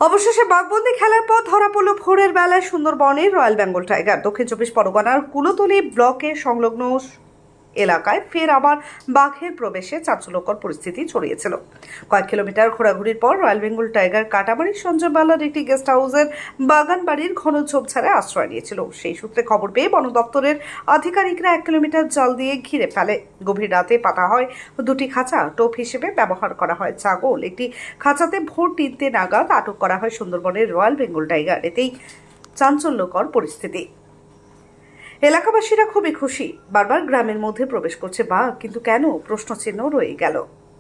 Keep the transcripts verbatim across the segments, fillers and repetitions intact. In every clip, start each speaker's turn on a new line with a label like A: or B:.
A: অবশেষে বাঘবন্দি খেলার পর ধরা পড়ল ভোরের বেলায় সুন্দরবনের রয়্যাল বেঙ্গল টাইগার। দক্ষিণ চব্বিশ পরগনার কুলতলি ব্লকে সংলগ্ন এলাকায় ফের আবার বাঘের প্রবেশে চাঞ্চল্যকর পরিস্থিতি ছড়িয়েছিল। কয়েক কিলোমিটার ঘোরাঘুরির পর রয়্যাল বেঙ্গল টাইগার কাটামারির সঞ্জয় বালার একটি গেস্ট হাউসের বাগান বাড়ির ঘন ঝোপঝাড়ে আশ্রয় নিয়েছিল। সেই সূত্রে খবর পেয়ে বন দপ্তরের আধিকারিকরা এক কিলোমিটার জাল দিয়ে ঘিরে ফেলে। গভীর রাতে পাতা হয় দুটি খাঁচা, টোপ হিসেবে ব্যবহার করা হয় ছাগল। একটি খাঁচাতে ভোর তিনটে নাগাদ আটক করা হয় সুন্দরবনের রয়্যাল বেঙ্গল টাইগার। এতেই চাঞ্চল্যকর পরিস্থিতি। এলাকাবাসীরা খুবই খুশি। বারবার গ্রামের মধ্যে প্রবেশ করছে বাঘ, কিন্তু কেন প্রশ্নচিহ্ন রয়ে গেল।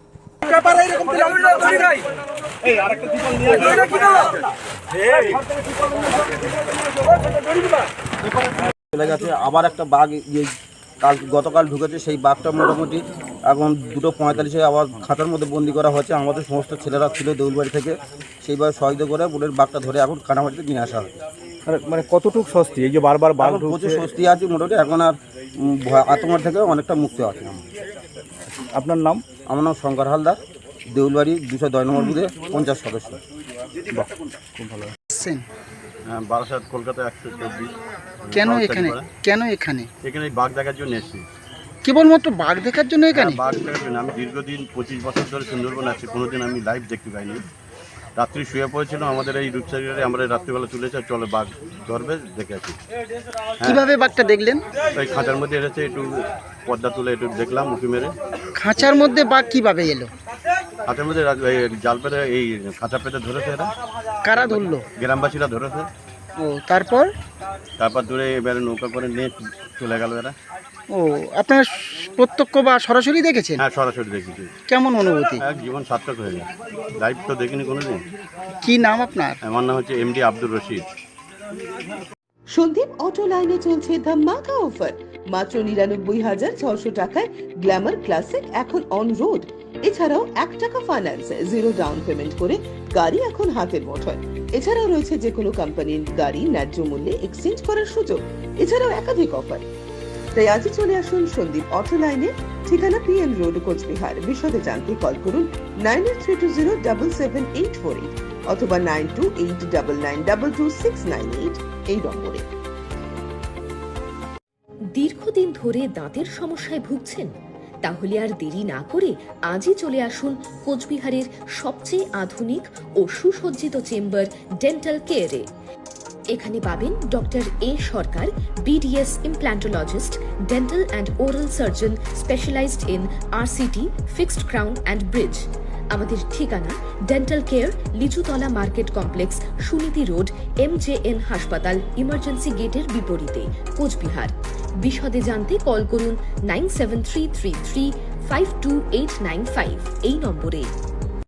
B: চলে গেছে আবার একটা বাঘ কাল গতকাল ঢুকেছে। সেই বাঘটা মোটামুটি এখন দুটো পঁয়তাল্লিশে আবার খাতার মধ্যে বন্দি করা হয়েছে। আমাদের সমস্ত ছেলেরা ছিল দেউলবাড়ি থেকে, সেইভাবে সহযোগিতা করে বোনের বাঘটা ধরে এখন কানামাটিতে নিয়ে আসা হয়।
C: মানে কতটুকু স্বস্তি এই যে বারবার বাঘ
B: প্রচুর স্বস্তি আছে মোটামুটি। এখন আর আতঙ্ক থেকে অনেকটা মুক্তি আছে।
C: আপনার নাম?
B: আমার নাম শঙ্কর হালদার, দেউলবাড়ি দুশো দশ নম্বর বুথে পঞ্চাশ সদস্য।
C: খুব ভালো।
D: হ্যাঁ, বারাসাত কলকাতা একশো চব্বিশ।
E: কেন এখানে কেন এখানে
D: এখানে বাঘ দেখার জন্য এসেছি।
E: কেবলমাত্র বাঘ দেখার জন্য এখানে?
D: হ্যাঁ, বাঘ দেখার জন্য। আমি দীর্ঘদিন পঁচিশ বছর ধরে সুন্দরবন আছি, কোনোদিন আমি লাইভ দেখতে পাইনি। রাত্রি শুয়ে পড়েছিলাম আমাদের এই রূপসাগরে, আমরা রাত্রিবেলা তুলেছে চলে বাঘ ধরবে দেখে আছি।
E: কিভাবে বাঘটা দেখলেন?
D: ওই খাঁচার মধ্যে এসেছে, একটু পর্দা তুলে একটু দেখলাম উঁকি মেরে।
E: খাঁচার মধ্যে বাঘ কিভাবে এলো?
D: খাঁচার মধ্যে জাল পেতে এই খাঁচা পেতে ধরেছে এরা।
E: কারা ধরলো?
D: গ্রামবাসীরা ধরেছে।
E: ও তারপর?
D: তারপর দূরে এবারে নৌকা করে নিয়ে চলে গেল এরা।
E: ও আপনারা প্রত্যক্ষ বা সরাসরি দেখেছেন?
D: হ্যাঁ, সরাসরি দেখেছি।
E: কেমন অনুভূতি?
D: এক জীবন সার্থক হয়ে যায়। লাইভ তো দেখিনি কোনোদিন।
E: কি নাম আপনার?
D: আমার নাম হচ্ছে এমডি আব্দুর রশিদ।
F: সন্দীপ অটো লাইনে চলছে ধামাকা অফার। মাত্র নিরানব্বই হাজার ছশো টাকায় গ্ল্যামার ক্লাসিক এখন অন রোড। এছাড়াও এক টাকা ফাইন্যান্স, জিরো ডাউন পেমেন্ট করে গাড়ি এখন হাতের মুঠোয়। এছাড়াও রয়েছে যে কোনো কোম্পানির গাড়ি ন্যায্য মূল্যে এক্সচেঞ্জ করার সুযোগ। এছাড়াও একাধিক অফার। তাই আজই চলে আসুন সন্দীপ অটো লাইনে, ঠিকানা পিএম রোড, কোচবিহার। বিশদে জানতে কল করুন nine eight three two zero double seven eight four eight অথবা nine two eight double nine double two six nine eight এই নম্বরে।
G: দীর্ঘদিন ধরে দাঁতের সমস্যায় ভুগছেন? তাহলে আর দেরি না করে আজই চলে আসুন কোচবিহারের সবচেয়ে আধুনিক ও সুসজ্জিত চেম্বার ডেন্টাল কেয়ারে। এখানে পাবেন doctor A Sarkar, BDS implantologist, dental and oral surgeon specialized in RCT, fixed crown and bridge. আমাদের ঠিকানা ডেন্টাল কেয়ার, Lichutala market complex, Suniti road, M J N হাসপাতাল, ইমার্জেন্সি গেটের বিপরীতে, কোচবিহার। বিশদে জানতে কল করুন nine seven three three three five two eight nine five এই নম্বরে।